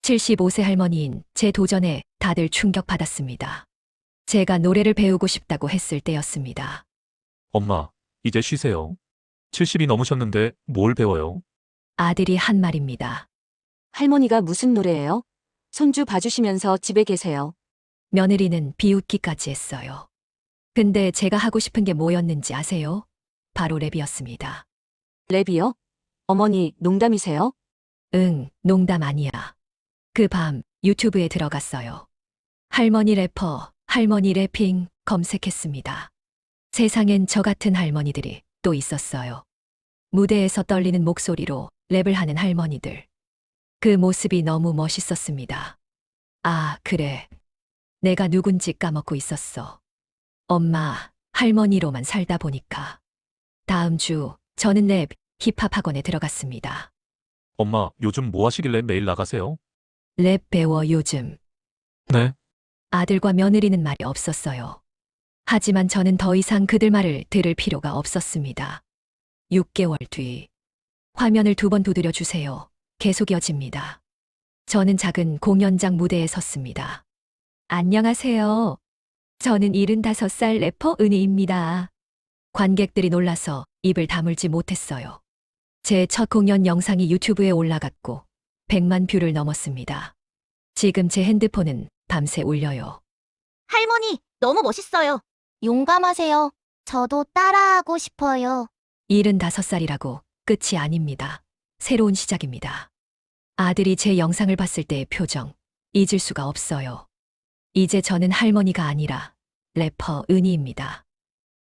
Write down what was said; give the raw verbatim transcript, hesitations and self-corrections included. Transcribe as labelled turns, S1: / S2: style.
S1: 칠십오 세 할머니인 제 도전에 다들 충격받았습니다. 제가 노래를 배우고 싶다고 했을 때였습니다.
S2: 엄마, 이제 쉬세요. 칠십이 넘으셨는데 뭘 배워요?
S1: 아들이 한 말입니다.
S3: 할머니가 무슨 노래예요? 손주 봐주시면서 집에 계세요.
S1: 며느리는 비웃기까지 했어요. 근데 제가 하고 싶은 게 뭐였는지 아세요? 바로 랩이었습니다.
S3: 랩이요? 어머니, 농담이세요?
S1: 응, 농담 아니야. 그 밤 유튜브에 들어갔어요. 할머니 래퍼, 할머니 래핑 검색했습니다. 세상엔 저 같은 할머니들이 또 있었어요. 무대에서 떨리는 목소리로 랩을 하는 할머니들. 그 모습이 너무 멋있었습니다. 아, 그래. 내가 누군지 까먹고 있었어. 엄마, 할머니로만 살다 보니까. 다음 주 저는 랩, 힙합 학원에 들어갔습니다.
S2: 엄마, 요즘 뭐 하시길래 매일 나가세요?
S1: 랩 배워 요즘.
S2: 네.
S1: 아들과 며느리는 말이 없었어요. 하지만 저는 더 이상 그들 말을 들을 필요가 없었습니다. 육 개월 뒤. 화면을 두 번 두드려 주세요. 계속 이어집니다. 저는 작은 공연장 무대에 섰습니다. 안녕하세요. 저는 일흔다섯 살 래퍼 은희입니다. 관객들이 놀라서 입을 다물지 못했어요. 제 첫 공연 영상이 유튜브에 올라갔고 백만 뷰를 넘었습니다. 지금 제 핸드폰은 밤새 울려요.
S4: 할머니, 너무 멋있어요. 용감하세요. 저도 따라하고 싶어요.
S1: 일흔다섯 살이라고 끝이 아닙니다. 새로운 시작입니다. 아들이 제 영상을 봤을 때의 표정, 잊을 수가 없어요. 이제 저는 할머니가 아니라 래퍼 은희입니다.